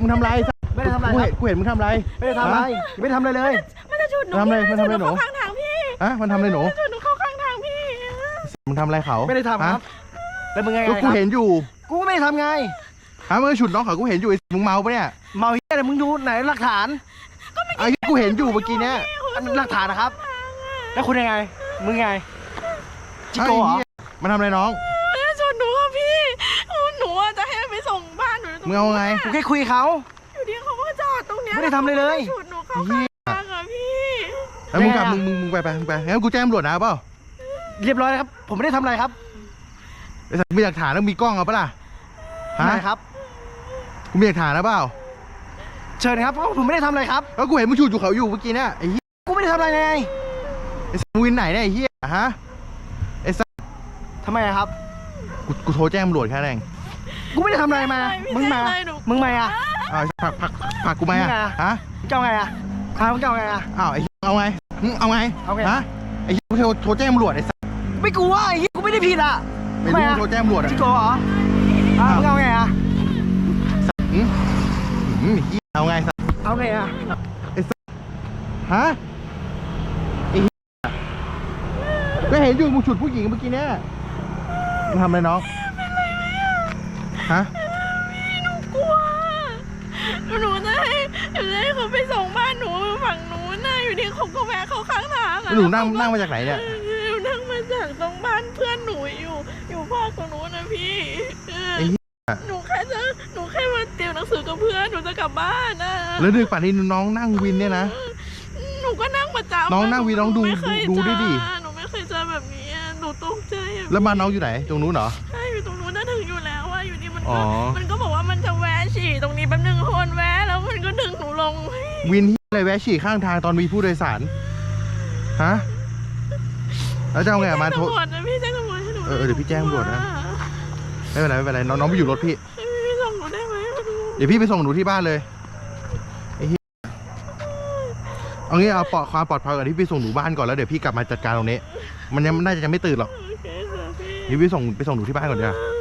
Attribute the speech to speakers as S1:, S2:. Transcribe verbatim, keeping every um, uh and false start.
S1: มึงทำไร
S2: ไม่ได้ทำอะไรครับ
S1: กูเห็นมึงทำไร
S2: ไม่ได้ทำอะไรไม่ได้ทำอะไรเลย
S3: มันจะฉุดหนู
S1: ทำอะไรมันทำอะไรหนู
S3: ข้างทางพี่
S1: ฮะมันทำอะไรหนู
S3: ฉุดหนูเข้าข้างทางพี่
S1: มึงทำอะไรเขา
S2: ไม่ได้ทำครับแล้วมึงไง
S1: ก็กูเห็นอยู่
S2: กูไม่ได้ทำไง
S1: ฮะมึงฉุดน้องเขากูเห็นอยู่มึงเมาปะเนี่ย
S2: เมาเหี้ยอะไรมึงดูไหนหลักฐาน
S1: ไอ้กูเห็นอยู่เมื่อกี้เนี้ย
S2: หลักฐานนะครับแล้วคุณยังไงมึงไงจิโก้เหรอ
S1: มันทำอะไรน้อง
S3: ไม่ได้ฉุดหนูครับพี่หนูจะให้ไปส่งบ้านหนู
S1: มึงเอาไง
S2: กูแค่คุยเขา
S3: อยู่ดีเขาก็จอดตรงเนี้ย
S2: ไม่ได้ทำอะไรเลย
S3: ฉุดหนูเข้าข้างทางอะพี่
S1: แล้วมึงกลับมึงมึงมึงไปไปมึงไปงั้นกูแจ้งตำรวจนะเปล่า
S2: เรียบร้อยครับผมไม่ได้ทำอะไรครับ
S1: ไอ้สัตว์มีหลักฐานแล้วมีกล้องเอาปะล่ะ
S2: ฮะครับ
S1: กูมีหลักฐานนะเปล่า
S2: เชิญครับเพราะผมไม่ได้ทำอะไรครับ
S1: แล้วกูเห็นมึงฉุดอยู่เขาอยู่เมื่อกี้เนี่ยไอ้เหี้ย
S2: กูไม่ได้ทำอะไรไง
S1: ไอ้สัตว์วินไหนเนี่ยไอ้เหี้ยฮะไอ้สัตว์
S2: ทำไมครับ
S1: กูกูโทรแจ้งตำรวจแค่นั้น
S2: กูไม่ได้ทำอะไรมามึงมามึงมาอ่ะ
S1: อ้าวผักผักผักกูไหมอ่ะฮะ
S2: มึงเอาไงอ่ะพามึงเอาไงอ่ะ
S1: อ้าวไอ้เอาไงเอาไง
S2: เอาไง
S1: ฮะไอ้กูโทรโทรแจ้งตำรวจไอ้สัตว์
S2: ไม่กลัวไอ้กูไม่ได้ผิดอ่ะ
S1: ไม่รู้โทรแจ้งตำรวจอ่ะ
S2: จิโก้เหรอมึงเอาไงอ่ะ
S1: อืมอืมเอาไงสัตว์
S2: เอาไงอ่ะ
S1: ไอ้สัตว์ฮะไอ้ก็เห็นอยู่มึงฉุดผู้หญิงเมื่อกี้เนี่ยมึงทำอะไรน้องฮะ
S3: หนูกลัวหนูจะให้หนูจะให้เขาไปส่งบ้านหนูฝั่งนู้นนะอยู่ดีเขาก็แวะเขาข้างทาง
S1: หนูนั่งนั่งมาจากไหนเนี่ย
S3: หนูนั่งมาจากตรงบ้านเพื่อนหนูอยู่อยู่ภาคตรงนู้นนะพี่หนูแค่จะหนูแค่มาเตรียมหนังสือกับเพื่อนหนูจะกลับบ้านนะ
S1: แล้วดึกป่านนี้น้องนั่งวินเนี่ยนะ
S3: หนูก็นั่งประจำ
S1: น้องนั่งวินน้องดูดูด้วยดิ
S3: หนูไม่เคยเจอแบบนี้หนูตกใจ
S1: แล้วบ้านน้องอยู่ไหนตรงนู้นเหรอ
S3: ใช่อยู่ตรงนู้นน่าถึงอยู่แล้วว่าอยู่ดีมันก็มันก็บอกว่ามันจะแวะฉี่ตรงนี้แป๊บนึงคนแวะแล้วมันก็ดึงหนูลง
S1: วินที่อะไรแวะฉี่ข้างทางตอนมีผู้โดยสารฮะแล้วจะเอาไงมาโทร
S3: พี่แจ้งตำรวจให้หนู
S1: เออเดี๋ยวพี่แจ้งตำรวจนะไม่เป็นไรไม่เป็นไรน้องน้องไปอยู่รถพี่
S3: พี่ส่งหนูได้ไหม
S1: เดี๋ยวพี่ไปส่งหนูที่บ้านเลยไอ้เหี้ยเอางี้เอาปลอดความปลอดภัยก่อนที่พี่ส่งหนูบ้านก่อนแล้วเดี๋ยวพี่กลับมาจัดการตรงนี้มันยังน่าจะยังไม่ตื่นหรอกเดี๋ยวพี่ส่งไปส่งหนูที่บ้านก่อนเดี๋ยว